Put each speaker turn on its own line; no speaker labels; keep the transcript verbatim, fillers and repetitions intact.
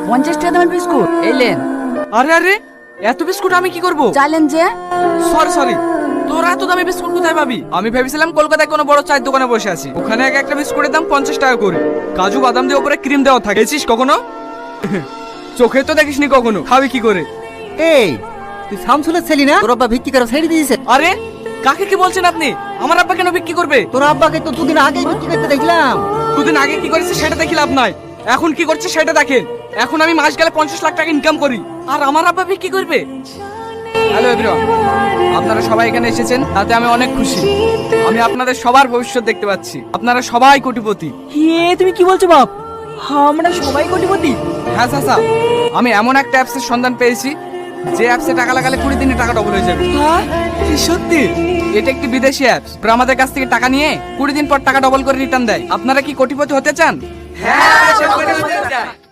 পঞ্চাশ টাকা দামের বিস্কুট এলেন।
আরে আরে এত বিস্কুট আমি কি করব?
চাইলেন যে
সরি সরি, তোরা এত দামি বিস্কুট কোথায় পাবি? আমি ভেবেছিলাম কলকাতায় কোনো বড় চায়ের দোকানে বসে আছি, ওখানে এক একটা বিস্কুটের দাম পঞ্চাশ টাকা করে, কাজু বাদাম দিয়ে উপরে ক্রিম দেওয়া থাকে। দেখছিস কখনো? চোখে তো দেখিসনি কখনো, খাবি কি করে?
এই তুই শামসুলের ছেলি না? তোর আব্বা ভিত্তি করে ছেড়ে দিয়েছে।
আরে কাকে কি বলছেন আপনি? আমার আব্বা কেন বিক্রি করবে?
তোর আব্বাকে তো দুদিন আগেই ভিত্তি করতে দেখলাম।
দুদিন আগে কি করেছে সেটা দেখি লাভ নাই, এখন কি করছে সেটা দেখেন। এখন আমি মাস গেলে পঞ্চাশ লাখ টাকা ইনকাম করি, আর আমার আব্বা বিক্রি করবে? হ্যালো এভরিওয়ান, আপনারা সবাই এখানে এসেছেন তাতে আমি অনেক খুশি। আমি আপনাদের সবার ভবিষ্যৎ দেখতে পাচ্ছি, আপনারা সবাই কোটিপতি।
হে তুমি কি বলছো বাপ? আমরা সবাই কোটিপতি?
হ্যাঁ চাচা, আমি এমন একটা অ্যাপসের সন্ধান পেয়েছি যে অ্যাপসে টাকা লাগালে কুড়ি দিনে টাকা ডবল হয়ে যাবে।
হ্যাঁ কি সত্যি?
এটা একটি বিদেশি অ্যাপস, আমাদের কাছ থেকে টাকা নিয়ে কুড়ি দিন পর টাকা ডবল করে রিটার্ন দেয়। আপনারা কি কোটিপতি হতে চান? হ্যাঁ।